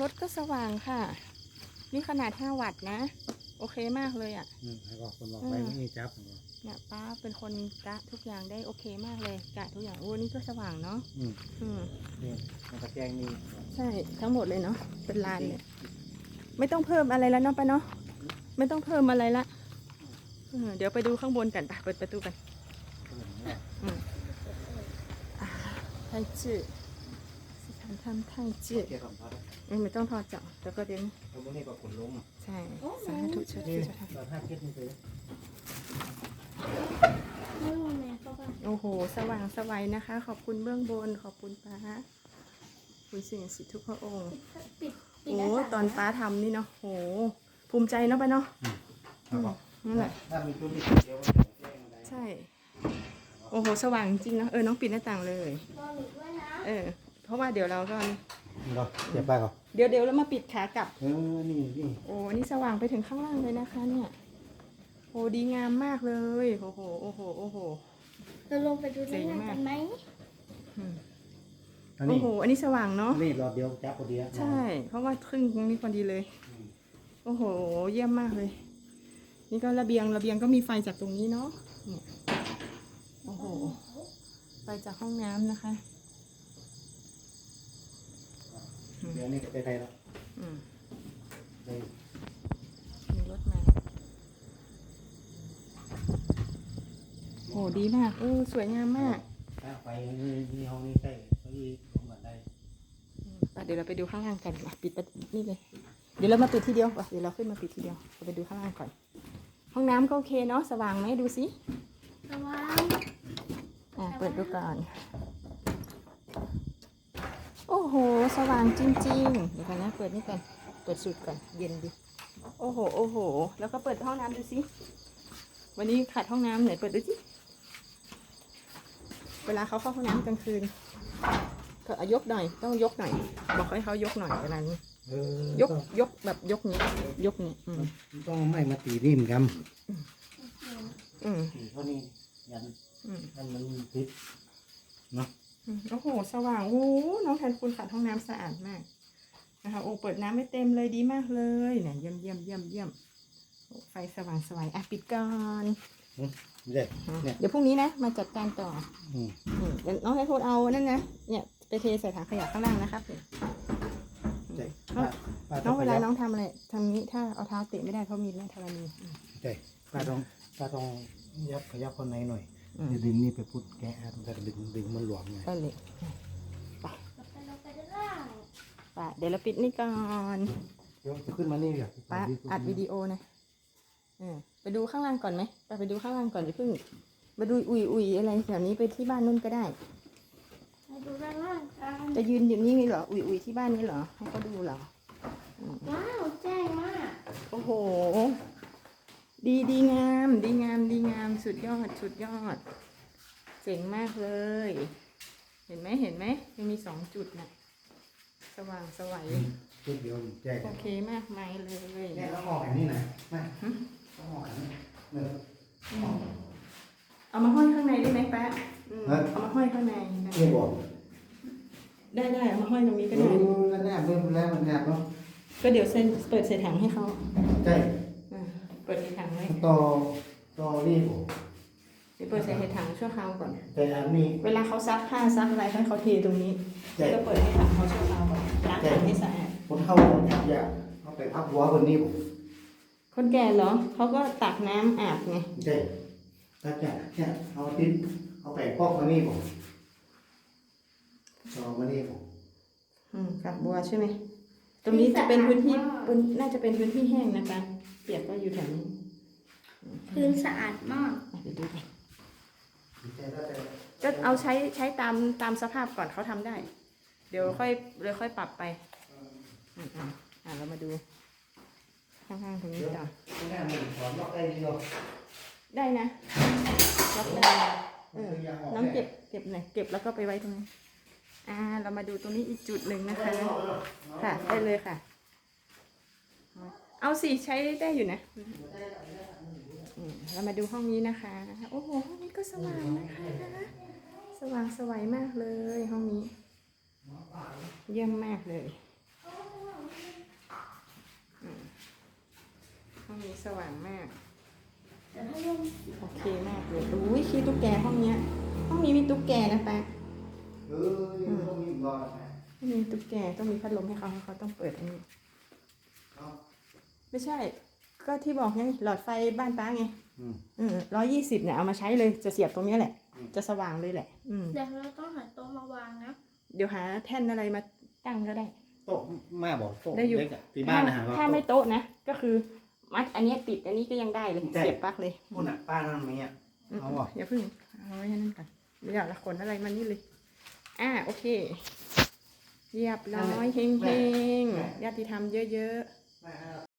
รถก็สว่างค่ะนี่ขนาด5 วัตต์นะโอเคมากเลยอ่ะให้บอกคนบอกไปไม่มีจับเนี่ยป้าเป็นคนกะทุกอย่างได้โอเคมากเลยกะทุกอย่างโอ้นี่ก็สว่างเนาะนี่มันตะแกรงนี่ใช่ทั้งหมดเลยเนาะเป็นลานเลยไม่ต้องเพิ่มอะไรแล้วเนาะป้าเนาะไม่ต้องเพิ่มอะไรละเดี๋ยวไปดูข้างบนกันไปเปิดประตูกันไทยจื้อสถานธรรมไทยจื้อไม่ต้องทอดเจาะแล้วก็เดี๋ยวตรงนี้ก็ขนลงใช่สาธุเชิดเราถ้าเก็บนี่เลยโอ้โหสว่างสวัยนะคะขอบคุณเบื้องบนขอบคุณป้าคุณสิ่งศักดิ์สิทธิ์ทุกพระองค์โอ้ตอนป้าทำนี่เนาะโหภูมิใจเนาะป้าเนาะนั่นแหละถ้ามีตัวนี้เดียวใช่โอ้โหสว่างจริงเนาะน้องปิดหน้าต่างเลยเพราะว่าเดี๋ยวเราก็เดี๋ยวไปก่อนเดี๋ยวเรามาปิดขากลับนี่โอ้นี่สว่างไปถึงข้างล่างเลยนะคะเนี่ยโอ้ดีงามมากเลยโอ้โหเราลงไปดูด้านล่างกันไหมโอ้โหอันนี้สว่างเนาะนี่รอเดียวจับพอดีใช่เพราะว่าครึ่งตรงนี้พอดีเลยโอ้โหเยี่ยมมากเลยนี่ก็ระเบียงก็มีไฟจากตรงนี้เนาะเนี่ยโอ้โหไฟจากห้องน้ำนะคะเดี๋ยวนี้ไปไทยแล้วมีรถมาโหดีมากสวยงามมากไปนี่ห้องนี้ใกล้ก็อีลงกันได้เดี๋ยวเราไปดูข้างล่างกันปิดนี่เลยเดี๋ยวเรามาปิดทีเดียวเดี๋ยวเราขึ้นมาปิดทีเดียวเราไปดูข้างล่างก่อนห้องน้ำก็โอเคเนาะสว่างไหมดูสิสว่างเปิดดูก่อนโอ้โหสว่างจริงๆเดี๋ยวกันนะเปิดนี่ก่อนเปิดสุดก่อนเย็นดิโอ้โหแล้วก็เปิดห้องน้ำดูสิวันนี้ขาดห้องน้ำไหนเปิดดูสิเวลาเขาเข้าห้องน้ำกลางคืนก็ยกหน่อยต้องยกหน่อยบอกให้เขายกหน่อยเวลานี้ยกแบบยกนี้ต้องไม่มาตีริมกันเท่านี้ยันมันติดเนาะโอ้โหสว่างโอ้น้องแทนคุณขัดห้องน้ำสะอาดมากนะคะโอ้เปิดน้ำไม่เต็มเลยดีมากเลยเนี่ยเยี่ยมไฟสว่างสวยปิดก่อนเดี๋ยวพรุ่งนี้นะมาจัดการต่อเดี๋ยวน้องให้พูดเอานั่นนะเนี่ยไปเทใส่ถังขยะข้างล่างนะครับน้องเวลาน้องทำอะไรทำนี้ถ้าเอาเท้าเตะไม่ได้เพราะมีแม่ธรณีใช่ป้าต้องยับขยับคนในหน่อยดึงนี่ไปพุทธแกะมันจะดึงมันหลวมไงก็เลยไปเดี๋ยวเราปิดนี่ก่อนเดี๋ยวขึ้นมานี่เดี๋ยวป้าอัดวิดีโอนะไปดูข้างล่างก่อนไหมไปดูข้างล่างก่อนอย่าเพิ่งมาดูอุ่ยอะไรแถวนี้ไปที่บ้านนู่นก็ได้ไปดูด้านล่างกันจะยืนอยู่นี่เหรออุ่ยที่บ้านนี้เหรอให้เขาดูเหรอว้าวแจ้งมากโอ้โหดีงามสุดยอดเจ๋งมากเลยเห็นไหมยังมี2 จุดนะสว่างสวัยจุดเดียวแจ้งโอเคมากมายเลยเนี่ยเราออกแบบนี้นะไม่ต้องออกแบบนี้เอามาห้อยข้างในได้ไหมแป๊ะเอามาห้อยข้างในไม่บอกได้เอามาห้อยตรงนี้ก็ได้แน่มันแล้วมันแน่เนาะก็เดี๋ยวเปิดใส่ถังให้เขาใช่เปิดในถังไว้ต่อรีบเดี๋ยวเปิดใส่ในถังชั่วคราวก่อนแต่อันนี้เวลาเขาซักผ้าซักอะไรให้เขาเทตรงนี้ก็เปิดให้ถังเขาชั่วคราวก่อนล้างถังให้สะอาดคนเข้าอยากเขาไปพักหัวคนนี้คนแก่เหรอเขาก็ตักน้ำอาบไงใช่ถ้าจะเนี่ยเอาติ้นเอาไปพอกคนนี้ผมเอาคนนี้ผมกับบัวใช่ไหมตรงนี้จะเป็นพื้นที่น่าจะเป็นพื้นที่แห้งนะคะเปียกก็อยู่แถวนี้พื้นสะอาดมากเดี๋ยวดูกันก็เอาใช้ตามสภาพก่อนเขาทำได้เดี๋ยวค่อยปรับไปเรามาดูข้างๆตรงนี้ต่อได้นะล็อกได้น้องเก็บหน่อยเก็บแล้วก็ไปไว้ตรงนี้เรามาดูตรงนี้อีกจุดหนึ่งนะคะค่ะได้เลยค่ะเอาสิใช้ได้อยู่นะเรามาดูห้องนี้นะคะโอ้โหห้องนี้ก็สว่างนะคะสว่างสวยมากเลยห้องนี้เยี่ยมมากเลยสว่างมากแต่ถ้าลงโอเคมากเลยอุ้ยขี้ตุ๊กแกห้องเนี้ย ห้องนี้มีตุ๊กแกนะแป๊ะต้องมีรอดนะไม่มีตุ๊กแกต้องมีพัดลมให้เขาต้องเปิดอันนี้ ไม่ใช่ ก็ที่บอกไงหลอดไฟบ้านป้าไง 120เนี่ยเอามาใช้เลยจะเสียบตรงนี้แหละ จะสว่างเลยแหละเดี๋ยวเราต้องหาโต๊ะมาวางนะเดี๋ยวหาแท่นอะไรมาตั้งก็ได้โต๊ะแม่บอกโต๊ะได้อยู่เล็กอะที่บ้านนะฮะถ้าไม่โต๊ะนะ ก็คือมัดอันเนี้ยติดอันนี้ก็ยังได้เลยใช่เสียบปลั๊กเลยคุณอ่ะป้านั่นมีอ่ะ เอาบ่อย่าเพึ่งเอาไว้ให้นั่นก่อนเดี๋ยวละขนอะไรมานี่เลยโอเคเรียบร้อยเฮงๆญาติธรรมเยอะๆแม่